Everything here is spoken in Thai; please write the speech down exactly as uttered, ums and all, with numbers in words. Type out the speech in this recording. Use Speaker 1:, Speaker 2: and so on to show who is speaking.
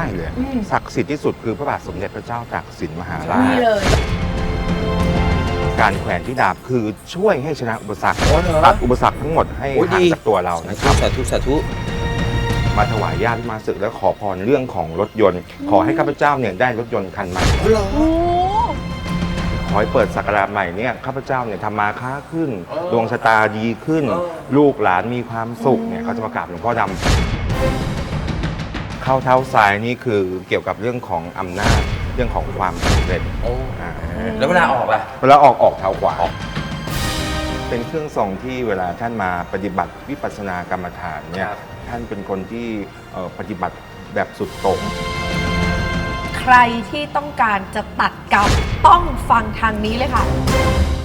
Speaker 1: ได้เลยศักดิ์สิทธิ์ที่สุดคือพระบาทสมเด็จพระเจ้าตากสินมหาราช
Speaker 2: เลย
Speaker 1: การแขวนที่ดาบคือช่วยให้ชนะอุปสรรคตัดอุปสรรคทั้งหมดให้ห่างจากตัวเรานะครับ
Speaker 3: สาธุสาธุ
Speaker 1: มาถวายญาติมาศึกแล้วขอพรเรื่องของรถยนต์ ขอให้ข้าพเจ้าเนี่ยได้รถยนต์คันใหม่ขอให้เปิดศักราชใหม่เนี่ยข้าพเจ้าเนี่ยทำมาค้าขึ้นดวงชะตาดีขึ้น ลูกหลานมีความสุขเนี่ยเขาจะมากราบหลวงพ่อดำเข้าเท้าซ้ายนี่คือเกี่ยวกับเรื่องของอำนาจเรื่องของความสำเร็จ
Speaker 3: แล้วเวลาออกล่ะ
Speaker 1: เวลาออกออกเท้าขวาเป็นเครื่องทรงที่เวลาท่านมาปฏิบัติวิปัสสนากรรมฐานเนี่ยท่านเป็นคนที่ปฏิบัติแบบสุดโต่ง
Speaker 2: ใครที่ต้องการจะตัดกรรมต้องฟังทางนี้เลยค่ะ